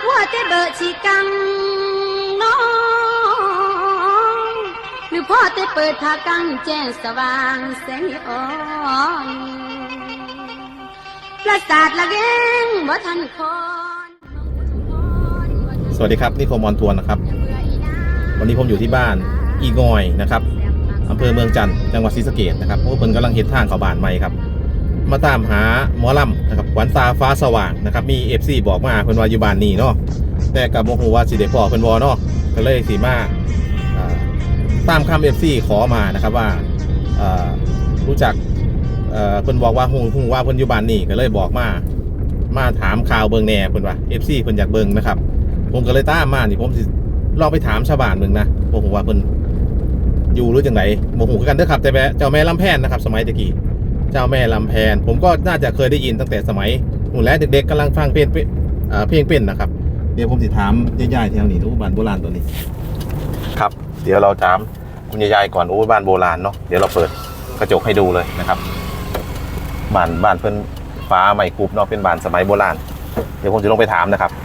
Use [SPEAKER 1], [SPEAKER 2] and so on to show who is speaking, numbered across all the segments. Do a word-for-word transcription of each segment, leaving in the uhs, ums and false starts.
[SPEAKER 1] ว่าแต่เบอร์ชีกังน้องหรือพ่อแต่เปิดทากังแจ้งสว่างแสงอ่อนประสาทละเก้งบ่ทันคอน
[SPEAKER 2] สวัสดีครับนี่โคมอนทวนนะครับวันนี้ผมอยู่ที่บ้านอีงอยนะครับอำเภอเมืองจันทร์จังหวัดศรีสะเกษนะครับเพราะเพิ่นกำลังเฮ็ดทางเข้าบ้านใหม่ครับมาตามหาหมอลำนะครับขวัญตาฟ้าสว่างนะครับมี เอฟ ซี บอกมาเพิ่นว่าอยู่บ้านนี้เนาะแต่กับโมโหว่าสิได้พอเพิ่นบ่เนาะก็เลยสิมาตามคำ เอฟ ซี ขอมานะครับว่ารู้จักเพิ่นบอกว่าฮู้ฮู้ว่าเพิ่นอยู่บ้านนี้ก็เลยบอกมามาถามข่าวเบิ่งแหน่เพิ่นว่า เอฟ ซี เพิ่นอยากเบิ่งนะครับผมก็เลยตามมานี่ผมสิลองไปถามชาวบ้านเบิ่งนะบ่ฮู้ว่าเพิ่นอยู่หรือจังไดบ่ฮู้คือกันเด้อครับแต่แม่เจ้าแม่ลำแพนนะครับสมัยตะกี้เจ้าแม่ลำแพนผมก็น่าจะเคยได้ยินตั้งแต่สมัยนู่นแหละเด็กๆกำลังฟังเพลงเพลงเป็นนะครับเดี๋ยวผมสิถามยายๆแถวนี้รู้บ้านโบราณตัวนี้ครับเดี๋ยวเราถามคุณยายๆก่อนโอ้บ้านโบราณเนาะเดี๋ยวเราเปิดกระจกให้ดูเลยนะครับบ้านบ้านเพิ่นฟ้าใหม่กรุบเนาะเป็นบ้านสมัยโบราณเดี๋ยวผมจะลงไปถามนะครับ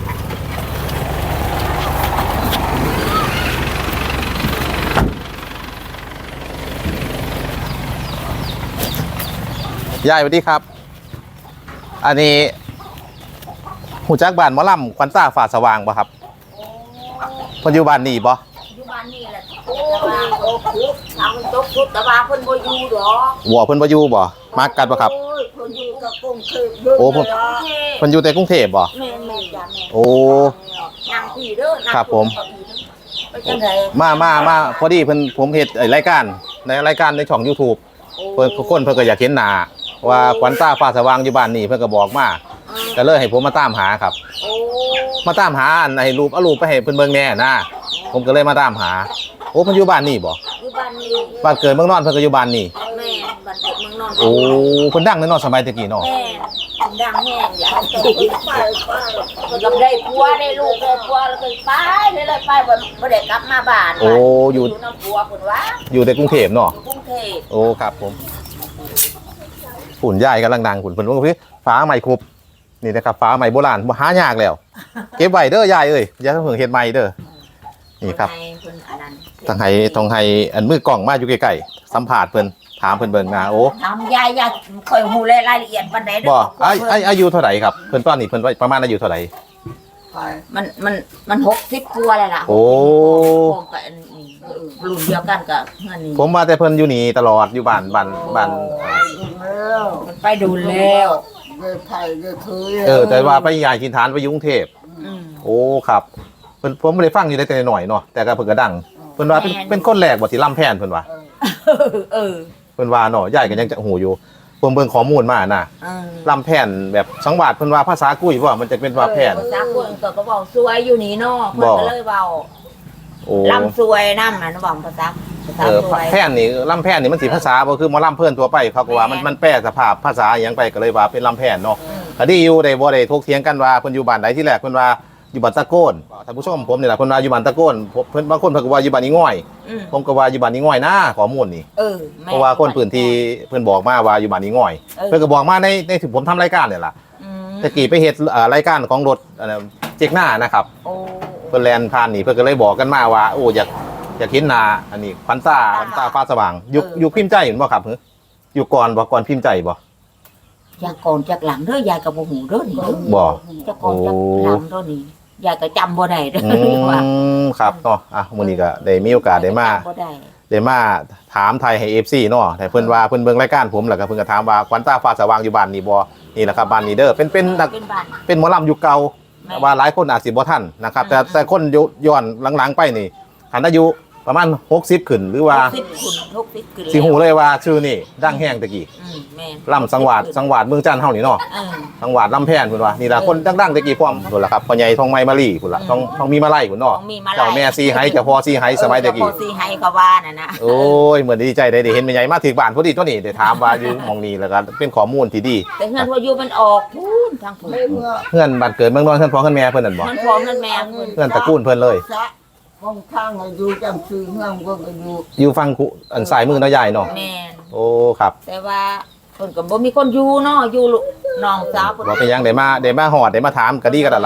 [SPEAKER 2] ยายสวัสดีครับอันนี้หูจักบ้านหมอลำขวัญตาฟ้าสว่างป่ะครับปัจจุบันนี่ป่ะ
[SPEAKER 3] ปัจจุบันนี่แหละโอ้ยโอ้คุกทำตกคุกแต่ว่าเพิ่นบ่อยู่ดอก
[SPEAKER 2] วัวเพิ่นบ่อยู่บ่มากันป่ะครับ
[SPEAKER 3] โอ้ยเพิ่นอยู่กับกรุงเทพเยอะเลย
[SPEAKER 2] เพิ่นอยู่แต่กรุงเทพบ่
[SPEAKER 3] แม่แม่จ้ะแม่
[SPEAKER 2] โอ้
[SPEAKER 3] นางพี่เด้อนาง
[SPEAKER 2] ครับผมมามามาพอดีเพิ่นผมเฮ็ดรายการในรายการในช่อง YouTube เพิ่นคนเพิ่นก็อยากเห็นหน้าว่าขวัญตาฟ้าสว่างอยู่บ้านนี่เพิ่นก็บอกมาก็เลยให้ผมมาตามหาครับมาตามหาอันให้รูปเอารูปไปให้เพิ่นเบิ่งแน่นะผมก็เลยมาตามหาโอ้เพิ่นอยู่บ้านนี่บ่
[SPEAKER 3] อยู่บ้านนี่
[SPEAKER 2] บ้านเกิดเมืองนอนเพิ่นก็อยู่บ้านนี่
[SPEAKER 3] แม่บ้านเกิดเมืองนอน
[SPEAKER 2] โอ้เพิ่นดังในนอนสมัยตะกี้เนาะ
[SPEAKER 3] แม่ดังแห้งอย่าไปไปก็ได้ผัวได้ลูกได้ผัวแล้วก็ไปเลยเลยไปบ่บ่ได้กลับมาบ้าน
[SPEAKER 2] โอ้อยู่
[SPEAKER 3] น้ำผัวเพิ่นว่า
[SPEAKER 2] อยู่ในกรุงเทพเนาะ
[SPEAKER 3] กรุงเทพ
[SPEAKER 2] โอ้ครับผมฝุ่นใหญ่กำลังดังฝุ่นเพิ่นว่าพี่ฟ้าใหม่ครบนี่นะครับฟ้าใหม่โบราณบ่หายากแล้วเก็บไว้เด้อยายเอ้ยอย่าเพิ่งเฮ็ดใหม่เด้อนี่ครับต้องให้ต้องให้อันมือกล้องมาอยู่ใกล้ๆสัมภาษณ์เพิ่นถามเพิ่นเบิ่งนะโอ้
[SPEAKER 3] ถามยายยายค่อยฮู้รายละเอียดปานใดเด้อ
[SPEAKER 2] บ่อาอายุเท่าไหร่ครับเพิ่นตอนนี้เพิ่นประมาณอายุเท่าไหร่
[SPEAKER 3] มันมันมันหกสิบกว่าแล้วล่ะ
[SPEAKER 2] โอ้
[SPEAKER 3] ก็รุ่นเดียวกันกับเงินนี่
[SPEAKER 2] ผมมาแต่เพิ่นอยู่นี่ตลอดอยู่บ้านบ้านบ้าน
[SPEAKER 3] มันไปดูแล้ว
[SPEAKER 2] เออแต่ว่าไปย้ายถิ่นฐานไปอยู่กรุงเทพโอ้ครับเพิ่นผมไม่ได้ฟังอยู่ได้แต่หน่อยเนาะแต่ก็เพิ่นก็ดังเพิ่นว่าเป็นเป็นคนแรกบ่ที่ลำแพนเพิ่นว่า
[SPEAKER 3] เออ
[SPEAKER 2] เพิ่นว่าเนาะยายก็ยังจะหูอยู่ผมเบิ่งข้อมูลมาน่ะลำแพนแบบสังวาสเพิ่นว่าภาษากุ้ยว่ามันจะเป็นว่าแพน
[SPEAKER 3] ภาษากุ้ยก็ก็เว้าสวยอยู่นี่เนาะเพิ่นก็เลยเว้า
[SPEAKER 2] โอ้
[SPEAKER 3] ลำสวยนำน่ะเว้าภาษาภาษาสวย
[SPEAKER 2] แพนนี่ลำแพนนี่มันสิภาษาบ่คือหมอลำเพิ่นทั่วไปเขาก็ว่ามันมันแปลสภาพภาษาหยังไปก็เลยว่าเป็นลำแพนเนาะก็ดีอยู่ได้บ่ได้ถกเถียงกันว่าเพิ่นอยู่บ้านใดที่แรกเพิ่นว่าอยู่บ้านตะโกนท่านผู้ชมผมนี่แหละเพิ่นว่าอยู่บ้านตะโกนเพิ่นบางคนเพิ่นก็ว่าอยู่บ้านอีง่อยผมก็ว่าอยู่บ้านอีง่อยนะข้อมูลนี่
[SPEAKER 3] เออ
[SPEAKER 2] เพราะว่าคนพื้นที่เพิ่นบอกมาว่าอยู่บ้านอีง่อยเพิ่นก็บอกมาในในที่ผมทำรายการนี่ล่ะตะกี้ไปเฮ็ดรายการของรถเจ๊กหน้านะครับเพิ่นแล่นผ่านนี่เพิ่นก็เลยบอกกันมาว่าโอ้อยากอยากเห็นหน้าอันนี้ขวัญตาขวัญตาฟ้าสว่างอยู่อยู่พิมพ์ใจเห็นบ่ครับอยู่ก่อนบ่ก่อนพิมพ์ใจบ่
[SPEAKER 3] ยายก่อนจากหลังเด้อยายก็บ่ฮู้เด้อนี่
[SPEAKER 2] บ่
[SPEAKER 3] จากก่อนจากหลังเด้อนี่ยายก็จำบ่ได้เด้อ
[SPEAKER 2] ว่าครับเนาะอ่ะมื้อนี้ก็ได้มีโอกาสได้มาได้มาถามไทยให้ เอฟ ซี เนาะแต่เพิ่นว่าเพิ่นเบิ่งรายการผมแล้วก็เพิ่นก็ถามว่าขวัญตาฟ้าสว่างอยู่บ้านนี่บ่นี่แหละครับบ้านนี้เด้อเป็นเป็นเป็นหมอลำยุคเก่าว่าหลายคนอาจสิบ่ทันนะครับแต่แต่คนย้อนหลังๆไปนี่คันอายุประมาณหกสิบขึ้นหรือว่า
[SPEAKER 3] หกสิบขึ้นหกสิบขึ้น
[SPEAKER 2] สิฮู้เลยว่าชื่อนี่ดังแห้งตะกี้ลำสังวาสสังวาสเมืองจันทน์เฮานี่เนาะสังวาสลำแพนพุ่นว่านี่ล่ะคนดังๆตะกี้พร้อมพุ่นล่ะครับพ่อใหญ่ทองไม้มาลีพุ่นล่ะต้องต้องมีมาไล่พุ่นเนาะเจ้าแม่ซีไห้เจ้าพ่อซีไห้สมัยตะกี้
[SPEAKER 3] เจ้าพ่อซีไห้ก็ว่าน่ะนะ
[SPEAKER 2] โอ้ยเหมือนดีใจได้ได้เห็นแม่ใหญ่มาถึงบ้านพอดีตัวนี้ได้ถามว่าอยู่หม่องนี้แล้วก็เป็นข้อมูลที่ดี
[SPEAKER 3] แต่เฮือนว่าอยู่มันออกพูนทางพุ่น
[SPEAKER 2] เฮือนบ้านเกิดเมืองนอนเฮือนพ่อเฮือนแม่เพิ่นนั่นบ่
[SPEAKER 3] เฮือนพ่อเฮือนแม่เพิ่น
[SPEAKER 2] เฮือนตระกูลเพิ่นเลย
[SPEAKER 4] ห้องข้างอยู่จังซื้อเฮือนก็อยู่
[SPEAKER 2] อยู่ฝั่งอันซ้ายมือเนาะยายเนาะ
[SPEAKER 3] แม่น
[SPEAKER 2] โอ้ครับ
[SPEAKER 3] แต่ว่าเพิ่นก็บ่มีคนอยู่เนาะอยู่น้องสาวเพิ่น
[SPEAKER 2] บ่เป็นหยังได้มาได้มาฮอดได้มาถามก็ดีก็นั่นล่ะ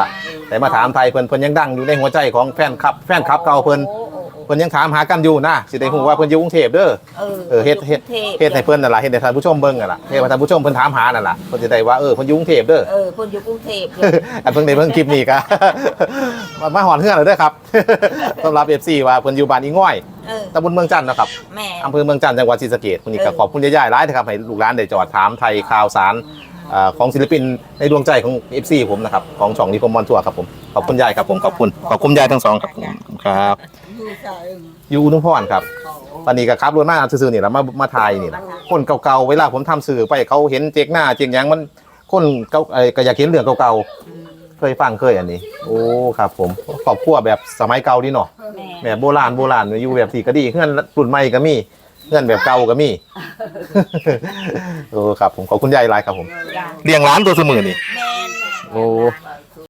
[SPEAKER 2] แต่มาถามไทยเพิ่นเพิ่นยังดังอยู่ในหัวใจของแฟนคลับแฟนคลับเก่าเพิ่น
[SPEAKER 3] โอ้โอ้โอ้
[SPEAKER 2] เพิ่นยังถามหากันอยู่นะสิได้ฮู้ว่าเพิ่นอยู่กรุงเทพเด้อ
[SPEAKER 3] เออ
[SPEAKER 2] เออเฮ็ดเฮ็ดเฮ็ดให้เพิ่นนั่นล่ะเฮ็ดให้ท่านผู้ชมเบิ่งนั่นล่ะเฮ็ดให้ท่านผู้ชมเพิ่นถามหานั่นล่ะเพิ่นจะได้ว่าเออเพิ่นอยู่กรุงเทพเด้อ
[SPEAKER 3] เออเพิ่นอยู่กรุงเทพเลย
[SPEAKER 2] อันเพิ่งได้เบิ่งคลิปนี้ก็ มามาหอนเฮือนแล้วเด้อครับ สำหรับ เอฟ ซี ว่าเพิ่นอยู่บ้านอีง้อย
[SPEAKER 3] เออ
[SPEAKER 2] ตำบลเมืองจันทน์นะครับ
[SPEAKER 3] แม่
[SPEAKER 2] อำเภอเมืองจันทน์จังหวัดศรีสะเกษวันนี้ก็
[SPEAKER 3] เออ
[SPEAKER 2] ขอบคุณย่าๆหลายนะครับให้ลูกหลานได้จอดถามไทยข่าวสารอ่าของศิลปินในดวงใจของ เอฟ ซี ผมนะครับของช่องนิคมมอนทัวร์ครับผมขอบคุณยายครับผมขอบคุณขอบคุณยายทั้งสองครับครับ
[SPEAKER 4] อยู่ใจ
[SPEAKER 2] อยู่อุดมพรครับตอนนี้ก็ขับรถมาซื่อๆนี่แหละมามาถ่ายนี่นะคนเก่าๆเวลาผมทำสื่อไปเขาเห็นเจ๊กหน้าเจ๊กหยังมันคนเก่าเอ่อก็อยากเห็นเรื่องเก่าๆเคยฟังเคยอันนี้ โอ้ครับผมครอบครัวแบบสมัยเก่าดีเนาะ
[SPEAKER 3] แม่
[SPEAKER 2] แบบโบราณโบราณอยู่แบบสีก็ดีเพื่อนรุ่นใหม่ก็มีเพื่อนแบบเก่าก็มี โอ้ครับผมขอบคุณยายหลายครับผม
[SPEAKER 3] จ้ะ
[SPEAKER 2] เลี้ยงร้านตัวเสมอนี่
[SPEAKER 3] แม่น
[SPEAKER 2] โอ้